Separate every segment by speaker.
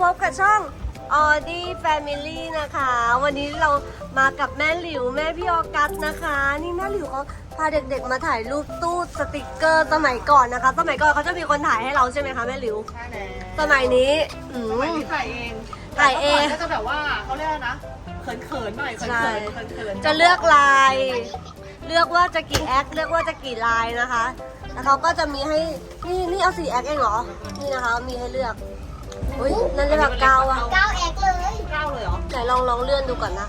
Speaker 1: บกับช่องออดี้แฟมิลี่นะคะ วันนี้เรามากับแม่หลิวแม่พี่ออกัสนะคะ นี่แม่หลิวเขาพาเด็กๆมาถ่ายรูปตู้สติกเกอร์สมัยก่อนนะคะ สมัยก่อนเขาจะมีคนถ่ายให้เราใช่ไหมคะแม่หลิว
Speaker 2: ใช่แล้ว
Speaker 1: สมัยนี้
Speaker 2: สมัยนี้ถ่ายเอง
Speaker 1: ถ่ายเอง
Speaker 2: ก็จะแบบว่าเขาเรียกอะไรนะเขินๆหน่อยเขินๆ
Speaker 1: จะเลือกลาย เลือกว่าจะกี่แอคเลือกว่าจะกี่ลายนะคะ แล้วเขาก็จะมีให้นี่เอา4 แอคเองเหรอ นี่นะคะมีให้เลือก อุ้ยนั่นเรียกว่า9อ่ะ
Speaker 3: 9 แอกเลย
Speaker 2: เก้าเลยเหรอ
Speaker 1: ไหนลองเลื่อนดูก่อนนะคะ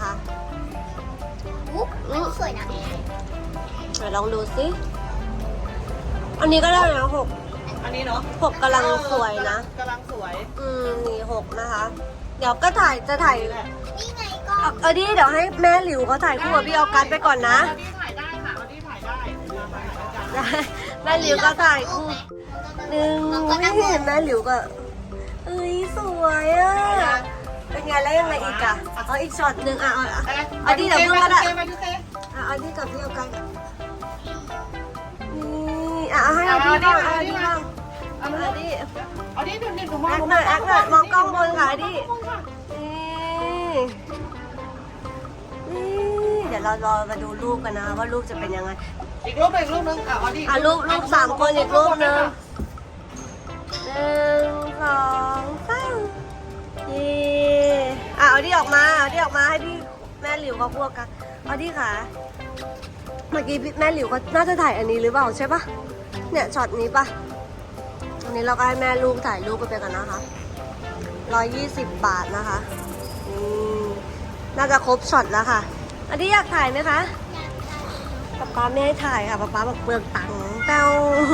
Speaker 3: สวยนะ
Speaker 1: ไหนลองดูสิอันนี้ก็ได้นะ6
Speaker 2: อันนี้เนาะ
Speaker 1: 6กำลังสวยนะ
Speaker 2: กำลังสวย
Speaker 1: นี่6นะคะ เดี๋ยวก็จะถ่าย
Speaker 3: นี่ไงก็
Speaker 1: เอาดิเดี๋ยวให้แม่หลิวเขาถ่ายคู่กับพี่ออกัสไปก่อนนะ
Speaker 2: อันนี้ถ่ายได้ค่ะอันนี้ถ่ายได้เดี๋ยวถ่ายได้จ้ะ
Speaker 1: แม่หลิวก็ถ่ายคู่หนึ่งไม่เห็นแม่หลิวก็เอ้ยสวยอ่ะเป็นไงแล้วยังไงอีกอ่ะเอาอีกช็อตหนึ่งอ่ะเอาดิเดี๋ยวเพิ่งก็ได้
Speaker 2: มาดูเต้
Speaker 1: เอาดิกับพี่ออกัสนี่ให้เอาดิบ้างเอาดิบ้าง
Speaker 2: เอาดิ
Speaker 1: เอาดิ
Speaker 2: เอาดิดูนี่ดูมอง
Speaker 1: แอคหน่อยแอคหน่อยมองกล้องบนค่ะดินี่เดี๋ยวเรารอมาดูรูปกันนะคะว่ารูปจะเป็นยังไง
Speaker 2: อีกรูปหนึ่งรูปนึงเอาดิ
Speaker 1: รูป3 คนอีกรูปหนึ่ง1 2 3เอาดิออกมาให้พี่แม่หลิวเขาพวกกันเอาดิค่ะเมื่อกี้แม่หลิวก็น่าจะถ่ายอันนี้หรือเปล่าใช่ปะเนี่ยช็อตนี้ปะอันนี้เราก็ให้แม่ลูกถ่ายรูปกันไปกันนะคะ120 บาทนะคะน่าจะครบช็อตแล้วค่ะอันนี้อยากถ่ายไหมคะป๊าไม่ให้ถ่ายค่ะป๊าบอกเปลืองตังค์เต้า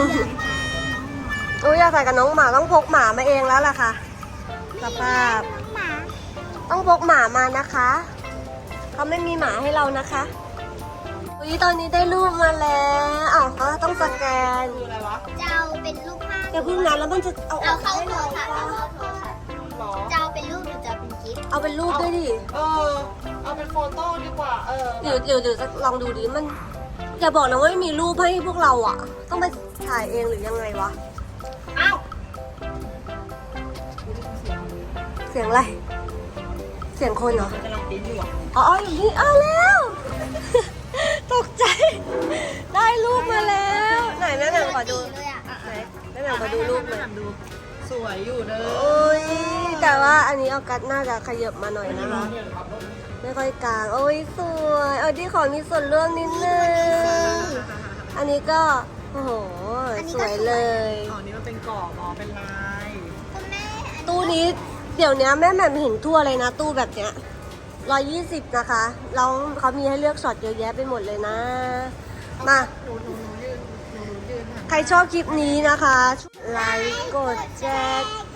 Speaker 1: อยากถ่ายกับน้องหมาต้องพกหมามาเองแล้วล่ะค่ะสภาพ
Speaker 3: หมา
Speaker 1: ต้องพกหมามานะคะเขาไม่มีหมาให้เรานะคะตอนนี้ได้รูปมาแล้วเขาต้องสแกน
Speaker 2: คืออะไรวะ
Speaker 3: จะเอาเป็นรูปภาพ
Speaker 1: อย่าเพิ่งนะแล้วมันจะเอาอ
Speaker 3: เอา
Speaker 1: อก
Speaker 3: เข้า
Speaker 1: ให้
Speaker 3: โทร
Speaker 1: เรา
Speaker 3: ค่ะเอาเข้าโทรค่ะ
Speaker 2: หรอ
Speaker 3: จะเอาเป็นรูปหรือจะเอาเป็นกิฟต์
Speaker 1: เอาเป็นรูปด้วยดิ
Speaker 2: เอาเป็นโฟโต้ดีกว่า
Speaker 1: หรือลองดูดิมันอย่าบอกนะว่าไม่มีรูปให้พวกเราอ่ะ ต้องไปถ่ายเองหรือยังไงวะ
Speaker 2: อ้าว
Speaker 1: เสียงอะไรเสียงคนเหรอ
Speaker 2: กำลังปิ้นอยู่อ่ะ
Speaker 1: อย่างนี้แล้ว ตกใจ ได้รูปมาแล้วไหนแม่แหม่มขอดู
Speaker 3: เลยอ่ะ
Speaker 1: ไหนแม่แหม่มขอดูรูปหน่อย
Speaker 2: ดูสวยอยู่เด้อ
Speaker 1: โอ้ยแต่ว่าอันนี้ออกัสน่าจะขยับมาหน่อยนะคะ ไม่ค่อยกลางโอ้ยสวยที่ขอมีส่วนร่วมนิดนึงอันนี้ก็โอ้โหสวยเลย
Speaker 2: อ๋อนี่มันเป็นกรอบอ๋อเป็นลาย
Speaker 3: คุณแม่
Speaker 1: ตู้นี้เดี๋ยวนี้แม่แหม่มเห็นทั่วเลยนะ ตู้แบบเนี้ย120นะคะแล้วเขามีให้เลือกช็อตเยอะแยะไปหมดเลยนะมา
Speaker 2: หนูยืนค่ะ
Speaker 1: ใครชอบคลิปนี้นะคะไลค์กดแชร์